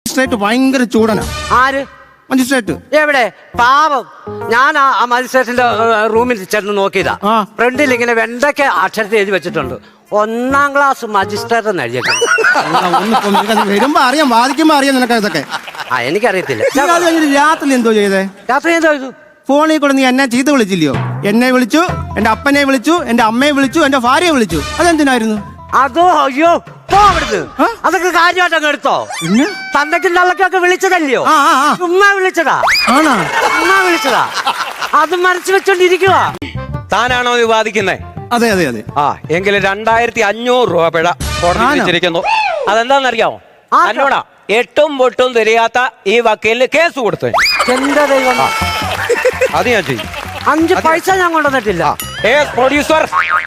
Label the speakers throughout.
Speaker 1: Magistrate ഭയങ്കര ചൂടനാ.
Speaker 2: ആര്?
Speaker 1: Magistrate.
Speaker 2: എവിടെ? പാവം. ഞാൻ ആ മജിസ്ട്രേറ്റിന്റെ റൂമിൽ ചെന്ന് നോക്കിയതാ. ഫ്രണ്ടിൽ ഇങ്ങനെ വെണ്ടയ്ക്ക് അക്ഷരത്തിൽ എഴുതി വെച്ചിട്ടുണ്ട്, 1ാം ക്ലാസ് മജിസ്ട്രേറ്റ് എന്ന് എഴുതിയിട്ടുണ്ട്.
Speaker 1: വരുമ്പോ അറിയാം, വാദിക്കുമ്പോ അറിയാം നിനക്ക് ഇതൊക്കെ.
Speaker 2: എനിക്കറിയത്തില്ല.
Speaker 1: രാത്രി എന്തോ ചെയ്തേ?
Speaker 2: രാത്രി എന്തോ ചെയ്തു?
Speaker 1: ഫോണിൽ കൂടെ നീ എന്നെ ചീത്ത വിളിച്ചില്ലയോ? എന്നെ വിളിച്ചു, എന്റെ അപ്പനെ വിളിച്ചു, എന്റെ അമ്മയെ വിളിച്ചു, എന്റെ ഭാര്യയെ വിളിച്ചു. അതെന്തിനായിരുന്നു?
Speaker 2: അതോ, അയ്യോ അവിടുന്ന് അതൊക്കെ കാര്യമായിട്ട് അങ്ങ് എടുത്തോ. തന്തയ്ക്കും തള്ളക്കൊക്കെ വിളിച്ചതല്ലയോ? ചുമ്മാ വിളിച്ചതാ. ചുമ്മാ വിളിച്ചതാ. അത് മനസ്സ് വെച്ചോണ്ടിരിക്കുക.
Speaker 3: താനാണോ ഇത് വാദിക്കുന്നേ?
Speaker 1: അതെ അതെ അതെ.
Speaker 3: എങ്കിലും 2500 രൂപ പിഴ കോടതി വിധിച്ചിരിക്കുന്നു. അതെന്താന്നറിയാമോ? എന്നോടാ 8ഉം 8ഉം തിരിയാത്ത ഈ വക്കീലിന് കേസ് കൊടുത്തു.
Speaker 2: എന്റെ ദൈവം,
Speaker 3: അത് ഞാൻ ചെയ്യും.
Speaker 2: 5 പൈസ ഞാൻ കൊണ്ടുവന്നിട്ടില്ല.
Speaker 3: പ്രൊഡ്യൂസർ.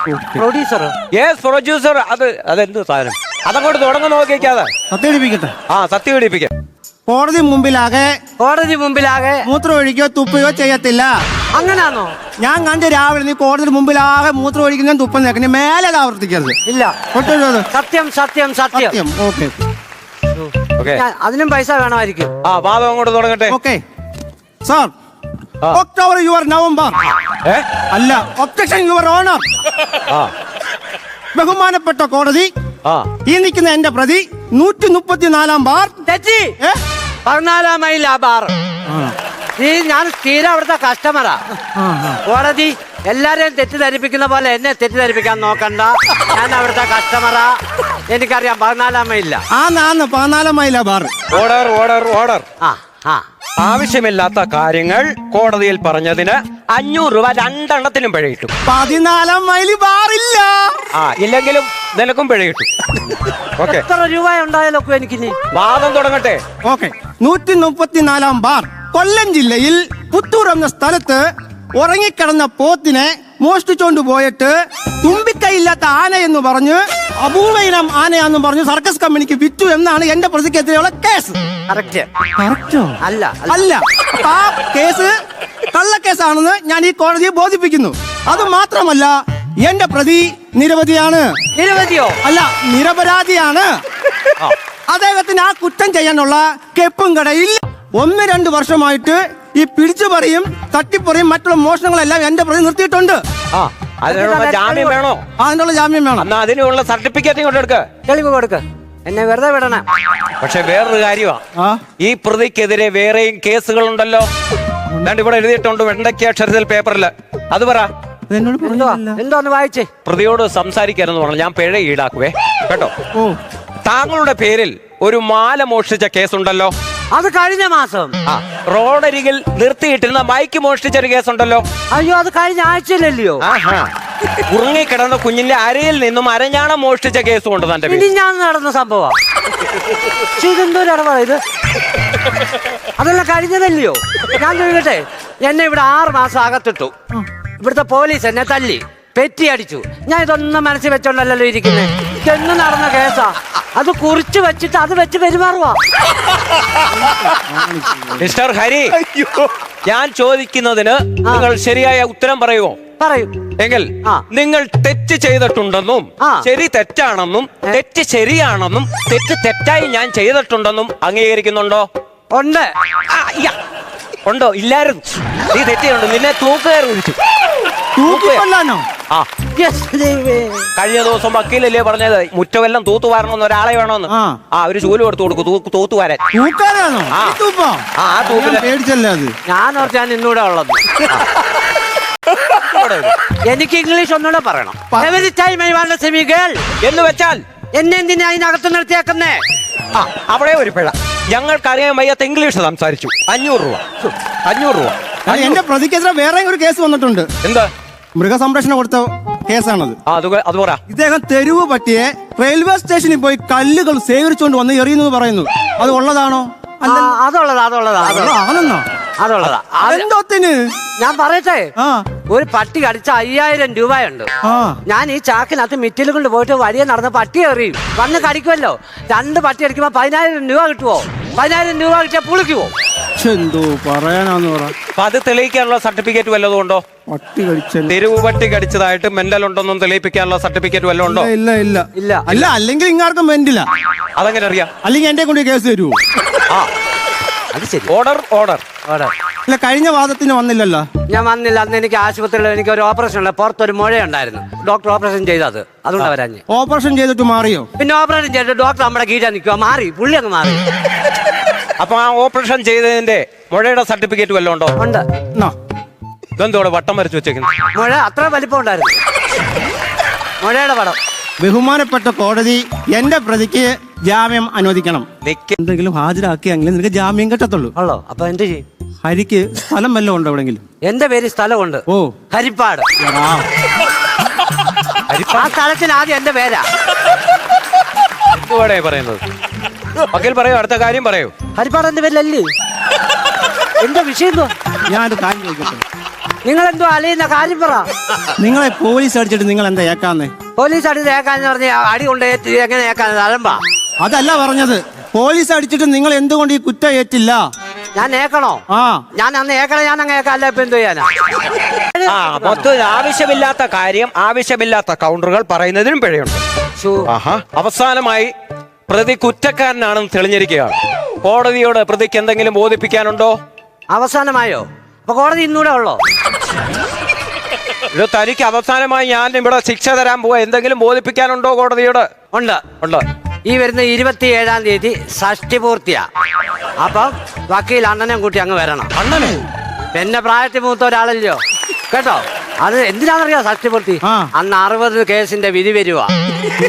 Speaker 3: അതെന്ത് സാധനം? അതങ്ങോട്ട് തുടങ്ങി നോക്കിക്കാതെ
Speaker 1: സത്യപിടിപ്പിക്കട്ടെ.
Speaker 3: സത്യപിടിപ്പിക്ക.
Speaker 1: കോടതി മുമ്പിലാകെ മൂത്രം ഒഴിക്കോ തുപ്പയോ ചെയ്യത്തില്ല.
Speaker 2: അങ്ങനാണോ?
Speaker 1: ഞാൻ കണ്ട് രാവിലെ നീ കോടതി മുമ്പിലാകെ മൂത്രം ഒഴിക്കുന്ന തുപ്പം നേക്കണേ, മേലെ അത് ആവർത്തിക്കരുത്.
Speaker 2: ഇല്ല. സത്യം സത്യം സത്യം.
Speaker 1: ഓക്കെ.
Speaker 2: അതിനും പൈസ വേണമായിരിക്കും.
Speaker 3: വാദം അങ്ങോട്ട് തുടങ്ങട്ടെ.
Speaker 1: Okay sir. October your November. അല്ല, ഒബ്ജക്ഷൻ യുവർ ഓണർ. ബഹുമാനപ്പെട്ട കോടതി, ഈ നിൽക്കുന്ന എന്റെ പ്രതി 134 ബാർ
Speaker 2: തെറ്റി. 14 മൈൽ ആ ബാർ. ഞാൻ സ്ഥിരം അവിടുത്തെ കസ്റ്റമറാ. കോടതി എല്ലാരെയും തെറ്റിദ്ധരിപ്പിക്കുന്ന പോലെ എന്നെ തെറ്റിദ്ധരിപ്പിക്കാൻ നോക്കണ്ട. ഞാൻ അവിടുത്തെ കസ്റ്റമറാ. എനിക്കറിയാം 14 മൈലില്ല.
Speaker 1: 14 മൈലാ ബാർ.
Speaker 3: Order order order. ആവശ്യമില്ലാത്ത കാര്യങ്ങൾ കോടതിയിൽ പറഞ്ഞതിന് 500 രൂപ 2 എണ്ണത്തിനും പിഴ കിട്ടും.
Speaker 1: 14 മൈല് ബാറില്ല.
Speaker 3: ഇല്ലെങ്കിലും നിനക്കും പിഴ കിട്ടും.
Speaker 2: എത്ര രൂപ ഉണ്ടായാലോ എനിക്ക്?
Speaker 3: വാദം തുടങ്ങട്ടെ.
Speaker 1: ഓക്കെ. 134 ബാർ. കൊല്ലം ജില്ലയിൽ പുത്തൂർ എന്ന സ്ഥലത്ത് ഉറങ്ങിക്കിടന്ന പോത്തിനെ മോഷ്ടിച്ചോണ്ട് പോയിട്ട് തുമ്പിക്കൈയില്ലാത്ത ആന എന്ന് പറഞ്ഞ് അപൂർവ ഇനം ആനയാന്ന് പറഞ്ഞ് സർക്കസ് കമ്പനിക്ക് വിറ്റു എന്നാണ് എന്റെ പ്രതിക്കെതിരെയുള്ള കേസ്. അല്ല, ആ കേസ് കള്ളക്കേസാണെന്ന് ഞാൻ ഈ കോടതിയെ ബോധിപ്പിക്കുന്നു. അത് മാത്രമല്ല, എന്റെ പ്രതി നിരവധിയാണ്.
Speaker 2: നിരവധിയോ?
Speaker 1: അല്ല, നിരപരാധിയാണ്. അദ്ദേഹത്തിന് ആ കുറ്റം ചെയ്യാനുള്ള കെപ്പും കടയിൽ 1-2 വർഷമായിട്ട് ഈ പിടിച്ചുപറിയും തട്ടിപ്പറിയും മറ്റുള്ള മോഷണങ്ങളെല്ലാം എന്റെ പ്രതി നിർത്തിയിട്ടുണ്ട്.
Speaker 3: അതിനുള്ള ജാമ്യം വേണോ?
Speaker 1: അതിനുള്ള ജാമ്യം വേണം.
Speaker 3: അതിനുള്ള സർട്ടിഫിക്കറ്റ് കൊണ്ടെടുക്ക,
Speaker 2: തെളിവ് കൊടുക്ക, എന്നെ വെറുതെ വിടണം.
Speaker 3: പക്ഷെ വേറൊരു കാര്യമാ, ഈ പ്രതിക്കെതിരെ വേറെയും കേസുകളുണ്ടല്ലോ. ഇവിടെ എഴുതിയിട്ടുണ്ട് വെണ്ടയ്ക്ക് അക്ഷരത്തിൽ പേപ്പറിൽ. അത് പറ.
Speaker 2: എന്തോന്ന് വായിച്ചേ?
Speaker 3: പ്രതിയോട് സംസാരിക്കാനെന്ന് പറഞ്ഞു. ഞാൻ പിഴ ഈടാക്കുവേ കേട്ടോ. താങ്കളുടെ പേരിൽ ഒരു മാല മോഷ്ടിച്ച കേസുണ്ടല്ലോ.
Speaker 2: അത് കഴിഞ്ഞ മാസം.
Speaker 3: റോഡരികിൽ നിർത്തിയിട്ടിരുന്ന ബൈക്ക് മോഷ്ടിച്ചൊരു കേസുണ്ടല്ലോ.
Speaker 2: അയ്യോ, അത് കഴിഞ്ഞ ആഴ്ചയിലല്ലയോ?
Speaker 3: ഉറങ്ങിക്കിടന്ന കുഞ്ഞിന്റെ അരയിൽ നിന്നും അരഞ്ഞാണം മോഷ്ടിച്ച കേസും ഉണ്ട് തന്റെ പേരിൽ.
Speaker 2: ഞാൻ നടന്ന സംഭവം. ഇത് അതെല്ലാം കഴിഞ്ഞതല്ലയോ? ഞാൻ ചോദിക്കട്ടെ, എന്നെ ഇവിടെ 6 മാസം അകത്തിട്ടു. ഇവിടുത്തെ പോലീസ് എന്നെ തല്ലി പെറ്റി അടിച്ചു. ഞാൻ ഇതൊന്നും മനസ്സിൽ വെച്ചോണ്ടല്ലോ ഇരിക്കുന്നേ. ഇതെന്ന് നടന്ന കേസാ. അത് കുറിച്ച് വെച്ചിട്ട് അത് വെച്ച് പെരുമാറുവാ.
Speaker 3: മിസ്റ്റർ ഹരി, ഞാൻ ചോദിക്കുന്നതിന് നിങ്ങൾ ശരിയായ ഉത്തരം പറയുമോ?
Speaker 2: പറയൂ.
Speaker 3: എങ്കിൽ നിങ്ങൾ തെറ്റ് ചെയ്തിട്ടുണ്ടെന്നും ശരി തെറ്റാണെന്നും തെറ്റ് ശരിയാണെന്നും തെറ്റ് തെറ്റായി ഞാൻ ചെയ്തിട്ടുണ്ടെന്നും അംഗീകരിക്കുന്നുണ്ടോ?
Speaker 2: ഉണ്ട്.
Speaker 3: ഉണ്ടോ? ഇല്ലായിരുന്നു. നീ തെറ്റിയുണ്ട്. നിന്നെ തൂക്കുകാർ വിളിച്ചു. കഴിഞ്ഞ ദിവസം വക്കീലല്ലേ പറഞ്ഞത് മുറ്റമെല്ലാം തൂത്തുവാരണമെന്ന് ഒരാളെ വേണമെന്ന്. ഒരു ചൂല് കൊടുത്തു കൊടുക്കും തൂത്തുവാരൻ.
Speaker 2: ഞാൻ ഓർത്ത് ഇന്നൂടെ ഉള്ളത്. എനിക്ക് ഇംഗ്ലീഷ് ഒന്നുകൂടെ പറയണം.
Speaker 3: എന്ന് വെച്ചാൽ
Speaker 2: എന്നെ എന്തിനാ അതിനകത്ത് നിർത്തിയേക്കുന്നേ?
Speaker 3: അവിടെ ഒരു പിഴ. ഞങ്ങൾക്കറിയാൻ വയ്യാത്ത ഇംഗ്ലീഷ് സംസാരിച്ചു. 500 രൂപ. 500 രൂപ.
Speaker 1: എന്റെ പ്രതിക്കെതിരെ വേറെ ഒരു കേസ് വന്നിട്ടുണ്ട്.
Speaker 3: എന്താ?
Speaker 1: മൃഗസംരക്ഷണം കൊടുത്ത കേസാണത്.
Speaker 3: അത് പറ.
Speaker 1: ഇദ്ദേഹം തെരുവ് പട്ടിയെ റെയിൽവേ സ്റ്റേഷനിൽ പോയി കല്ലുകൾ ശേഖരിച്ചുകൊണ്ട് വന്ന് എറിയുന്നു പറയുന്നു. അത് ഉള്ളതാണോ? എന്തോത്തിന്?
Speaker 2: ഞാൻ പറയട്ടെ, ഒരു പട്ടി കടിച്ച 5000 രൂപയുണ്ട്. ഞാൻ ഈ ചാക്കിനകത്ത് മിറ്റിൽ കൊണ്ട് പോയിട്ട് വഴിയെ നടന്ന പട്ടി എറിയും. വന്ന് കടിക്കുമല്ലോ. 2 പട്ടി അടിക്കുമ്പോ 10000 രൂപ കിട്ടുവോ? 10000 രൂപ കിട്ടിയാൽ പുളിക്കുവോ?
Speaker 1: എന്തോ പറയാനാന്ന് പറ.
Speaker 3: അത് തെളിയിക്കാനുള്ള സർട്ടിഫിക്കറ്റ് വല്ലതും ഉണ്ടോ?
Speaker 1: പട്ടി കടിച്ച
Speaker 3: തെരുവ് പട്ടി കടിച്ചതായിട്ട് മെന്റൽ ഉണ്ടെന്നും തെളിയിപ്പിക്കാനുള്ള സർട്ടിഫിക്കറ്റ് വല്ലതും ഉണ്ടോ?
Speaker 1: ഇല്ല ഇല്ല
Speaker 2: ഇല്ല.
Speaker 1: അല്ല അല്ലെങ്കിൽ ഇങ്ങാർക്കും വെന്റില്ല.
Speaker 3: അതെങ്ങനെ അറിയാം?
Speaker 1: അല്ലെങ്കിൽ എന്റെ കൊണ്ട് കേസ് തരുമോ?
Speaker 2: ആ അത് ശരി.
Speaker 3: ഓർഡർ ഓർഡർ
Speaker 2: ഓടെ.
Speaker 1: അല്ല കഴിഞ്ഞ വാദത്തിന് വന്നില്ലല്ലോ.
Speaker 2: ഞാൻ വന്നില്ല. അന്ന് എനിക്ക് ആശുപത്രിയിൽ എനിക്ക് ഒരു ഓപ്പറേഷൻ ഉണ്ട്. പുറത്തൊരു മുഴയുണ്ടായിരുന്നു. ഡോക്ടർ ഓപ്പറേഷൻ ചെയ്തത് അതുകൊണ്ട് വരാഞ്ഞ്.
Speaker 1: ഓപ്പറേഷൻ ചെയ്തിട്ട് മാറിയോ?
Speaker 2: പിന്നെ ഓപ്പറേഷൻ ചെയ്തിട്ട് ഡോക്ടർ നമ്മുടെ കീഴാ നിൽക്കുക. മാറി, പുള്ളി അങ്ങ് മാറി.
Speaker 3: അപ്പൊ ആ ഓപ്പറേഷൻ ചെയ്തതിന്റെ മുഴയുടെ സർട്ടിഫിക്കറ്റ് വല്ലതും ഉണ്ടോ?
Speaker 2: ഉണ്ട്.
Speaker 1: എന്നാ,
Speaker 3: ഇതെന്തോടെ വട്ടം വരച്ചു വെച്ചേക്കുന്നത്?
Speaker 2: മുഴ അത്ര വലിപ്പം ഉണ്ടായിരുന്നു. മുഴയുടെ പടം.
Speaker 1: ബഹുമാനപ്പെട്ട കോടതി എന്റെ പ്രതിക്ക് ജാമ്യം അനുവദിക്കണം.
Speaker 3: നിക്ക്.
Speaker 1: എന്തെങ്കിലും ഹാജരാക്കിയെങ്കിൽ നിനക്ക് ജാമ്യം കിട്ടത്തുള്ളൂ.
Speaker 2: ഉള്ളോ? അപ്പൊ എന്ത് ചെയ്യും?
Speaker 1: ഹരിക്ക് സ്ഥലം വല്ലതും ഉണ്ടോ എവിടെങ്കിലും?
Speaker 2: എന്റെ പേര് സ്ഥലമുണ്ട്.
Speaker 1: ഓ
Speaker 2: ഹരിപ്പാട്.
Speaker 1: എടാ,
Speaker 2: ആ സ്ഥലത്തിന് ആദ്യം എന്റെ പേരാ.
Speaker 3: എന്തുവാടേ പറയുന്നത്? വക്കീൽ പറയൂ, അടുത്ത കാര്യം പറയൂ.
Speaker 2: ഹരിപ്പാട് എന്റെ പേരിലല്ലേ? എന്റെ വിഷയം എന്തോ?
Speaker 1: ഞാനൊരു കാര്യം ചോദിക്കട്ടെ.
Speaker 2: നിങ്ങൾ എന്തോ അലയുന്ന കാര്യം പറ.
Speaker 1: നിങ്ങളെ പോലീസ് അടിച്ചിട്ട് നിങ്ങൾ എന്താ ഏക്കാന്നേ?
Speaker 2: പോലീസ് അടി ഏക്കാന്ന് പറഞ്ഞ അടി കൊണ്ട് എങ്ങനെ ഏക്കാൻ അലമ്പാ?
Speaker 1: അതല്ല പറഞ്ഞത്. പോലീസ് അടിച്ചിട്ട് നിങ്ങൾ എന്തുകൊണ്ട് ഈ കുറ്റം ഏറ്റില്ല?
Speaker 2: ഞാൻ ഏക്കണോ?
Speaker 1: ആ
Speaker 2: ഞാൻ അന്ന് ഏക്കണം. ഞാൻ അങ്ങ് ഏക്കല്ല. ഇപ്പൊ എന്ത് ചെയ്യാനാ?
Speaker 3: ആ മൊത്തം ആവശ്യമില്ലാത്ത കാര്യം ആവശ്യമില്ലാത്ത കൗണ്ടറുകൾ പറയുന്നതിനും പിഴയുണ്ട്.
Speaker 2: ശ്ശോ.
Speaker 3: അവസാനമായി പ്രതി കുറ്റക്കാരനാണെന്ന് തെളിഞ്ഞിരിക്കുകയാണ്. കോടതിയോട് പ്രതിക്ക് എന്തെങ്കിലും ബോധിപ്പിക്കാനുണ്ടോ?
Speaker 2: അവസാനമായോ? അപ്പൊ കോടതി ഇന്നൂടെ ഉള്ളോ?
Speaker 3: ഇത് തനിക്ക് അവസാനമായി ഞാൻ ഇവിടെ ശിക്ഷ തരാൻ പോവാ. എന്തെങ്കിലും ബോധിപ്പിക്കാനുണ്ടോ കോടതിയോട്?
Speaker 2: ഉണ്ട്.
Speaker 3: ഉണ്ട്.
Speaker 2: ഈ വരുന്ന 27-ാം തീയതി ഷഷ്ടി പൂർത്തിയാ. അപ്പം വക്കീൽ അണ്ണനും കൂട്ടി അങ്ങ് വരണം.
Speaker 3: അണ്ണനെ
Speaker 2: എന്നെ പ്രായത്തിൽ മൂത്ത ഒരാളല്ലോ കേട്ടോ. അത് എന്തിനാണെന്നറിയാം ഷഷ്ടി പൂർത്തി?
Speaker 1: ആ.
Speaker 2: അന്ന് 60 കേസിന്റെ വിധി വരുവാ.